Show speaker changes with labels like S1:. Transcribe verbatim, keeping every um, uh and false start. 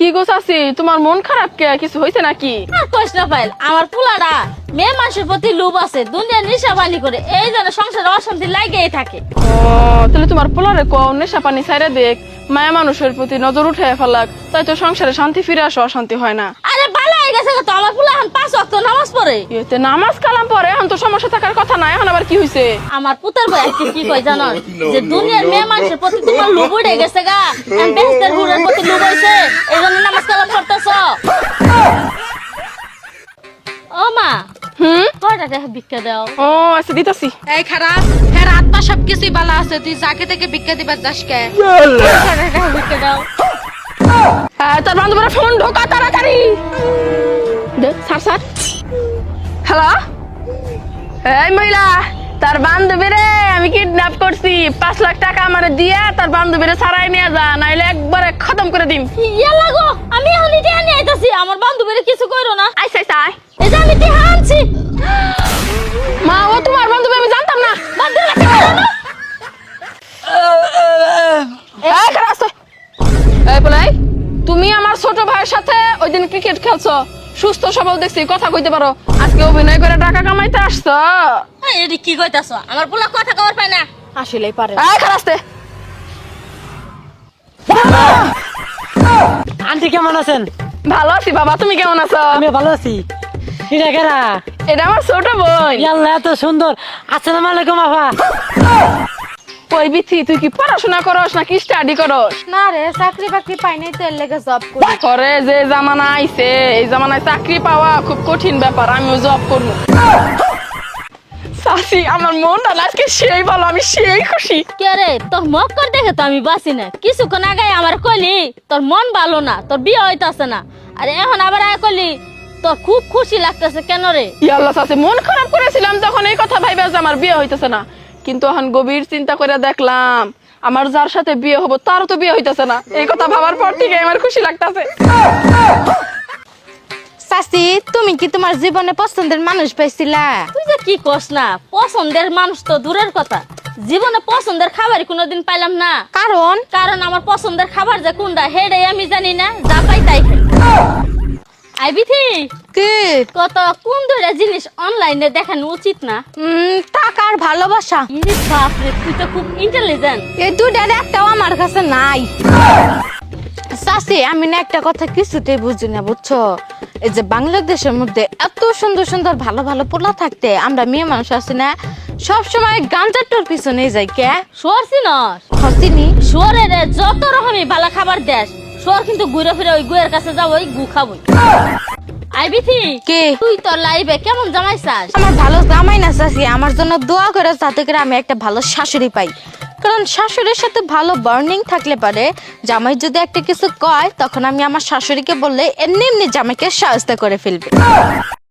S1: কি গো চাচি, তোমার মন খারাপ কে? কিছু হয়েছে নাকি?
S2: আর কইস না পাইল, আমার পোলাটা মেয়ে মানুষের প্রতি লোভ আছে, দুনিয়ার নেশা পানি করে, এই জন্য সংসারে অশান্তি লাগেই থাকে।
S1: ও তাহলে তোমার পোলারে কও নেশা পানি ছাইরা দেখ, মায়া মানুষের প্রতি নজর উঠে ফেলাক, তাই তো সংসারে শান্তি ফিরে আসো, অশান্তি হয় না।
S2: আরে ভালো হয়ে গেছে তো, আমার পোলা এখন পাঁচ ওয়াক্ত নামাজ পড়ে।
S1: এতে নামাজ কালাম পরে এখন তো সমস্যা থাকার কথা না, এখন আবার কি হইছে?
S2: আমার পুতার বই আজকে কি কই জানো, যে দুনিয়ার মেয়ে মানুষের প্রতি তোমার লোভ উঠে গেছে গা, এখন বেহেশতের হুরের প্রতি লোভ হইছে, এই জন্য নামাজ কালাম পড়তেছ। ও মা,
S1: হুম
S2: কয়টা টাকা ভিক্ষা দাও?
S1: ও আচ্ছা দিতাছি।
S3: এই খারাপ হ্যাঁ, রাত পা সবকিছুই ভালো আছে, তুই যাকে থেকে ভিক্ষা দিবার যাস কে?
S2: কয়টা টাকা ভিক্ষা দাও?
S1: হ্যাঁ, তার বান্ধবরা ফোন ঢোকা তাড়াতাড়ি দে। স্যার স্যার, হ্যালো, এই মহিলা, তার বান্ধবীরে আমি কিডন্যাপ করছি, পাঁচ লাখ টাকা আমারে দিয়া তার বান্ধবীরে ছাড়াই নিয়ে যা, নাইলে একবারে খতম করে দিম।
S2: ইয়া লাগো, আমি এখন টিহা নিয়ে আইতাছি, আমার বান্ধবীরে কিছু কইরো না।
S1: আইসা আইসা আয়।
S2: এই যে আমি টিহা আনছি।
S1: মা, ও তোমার বান্ধবী, আমি জানতাম না।
S2: বান্ধবীরা কি করো না?
S1: এই খারাপ আছে। এই বলাই, তুমি আমার ছোট ভাইয়ের সাথে ওই দিন ক্রিকেট খেলছো, সুস্থ সবল দেখছি, কথা কইতে পারো, আজকে অভিনয় করে টাকা কামাইতে আসছো।
S2: এই, এডি কি কইতাছ? আমার পোলা কথা কবার পায় না।
S1: আসলেই পারে। এই খারাপ আছে।
S4: আন্টি কেমন আছেন?
S1: ভালো আছি বাবা, তুমি কেমন আছো?
S4: আমি ভালো আছি। এটা কেরা?
S1: এটা আমার ছোট বোন।
S4: আল্লাহ এত সুন্দর। আসসালামু আলাইকুম আপা।
S1: ওই বিথি, তুই কি পড়াশোনা করস নাকি স্টাডি করস?
S3: না রে, চাকরি বাকরি পাই নাই তো এর লেগে জব করি।
S1: করে যে জামানা আইছে, এই জামানায় চাকরি পাওয়া খুব কঠিন ব্যাপার, আমিও জব করবো। সাসি, আমার মনটা আজকে সেই ভালো, আমি সেই খুশি।
S2: কে রে, তোর মক্কর দেখে তো আমি বাঁচি না। কিছুক্ষণ আগে আমার কইলি তোর মন ভালো না, তোর বিয়ে হইতাছে না, আর এখন আবার আয় কইলি তোর খুব খুশি লাগতেছে। কেন রে?
S1: ইয়াল্লাহ সাসি, মন খারাপ করেছিলাম যখন এই কথা ভাইবা যে আমার বিয়ে হইতেছে না, কিন্তু এখন গভীর চিন্তা করে দেখলাম আমার যার সাথে বিয়ে হবো তারও তো বিয়ে হইতেছে না, এই কথা ভাবার পর থেকে আমার খুশি লাগতেছে।
S3: চাচি, তুমি কি তোমার জীবনে পছন্দের মানুষ পাইছিলা?
S2: তুই যে কি কস না, পছন্দের মানুষ তো দূরের কথা, জীবনে পছন্দের খাবার কোনোদিন পাইলাম না।
S3: কারণ
S2: কারণ আমার পছন্দের খাবার যে কোনটা হেডে আমি জানি না, যা পাই তাই খাই। আইবিথি,
S3: কি
S2: কত কোন দুইটা জিনিস অনলাইনে দেখানো উচিত না?
S3: উম, টাকার ভালোবাসা।
S2: ইরে বাপ রে, তুই তো খুব ইন্টেলিজেন্ট।
S3: এই দুটার একটাও আমার কাছে নাই। চাচি, আমি না একটা কথা কিছুতেই বুঝি না, বুঝছো? এই যে বাংলাদেশের মধ্যে এত সুন্দর সুন্দর ভালো ভালো পোলা থাকতে, আমরা মেয়ে মানুষ আছি না, সব সময় গাঞ্জাটোর পিছনে যাই কে?
S2: শুয়ার চিনস?
S3: হসিনি
S2: শুয়ারের যত রকমই ভালো খাবার দেশ, শুয়ার কিন্তু ঘুরে ফিরে ওই গুয়ের কাছে যাবো, ওই গু খাবই। আইবিথি,
S3: কে?
S2: তুই তোর লাইফে কেমন জামাই চাস?
S3: আমার ভালো জামাই না চাচি, আমার জন্য দোয়া করে যাতে করে আমি একটা ভালো শাশুড়ি পাই। কারণ শাশুড়ির সাথে ভালো বার্নিং থাকলে পারে, জামাই যদি একটা কিছু কয় তখন আমি আমার শাশুড়িকে বললে এমনি এমনি জামাইকে সাহায্য করে ফেলবে।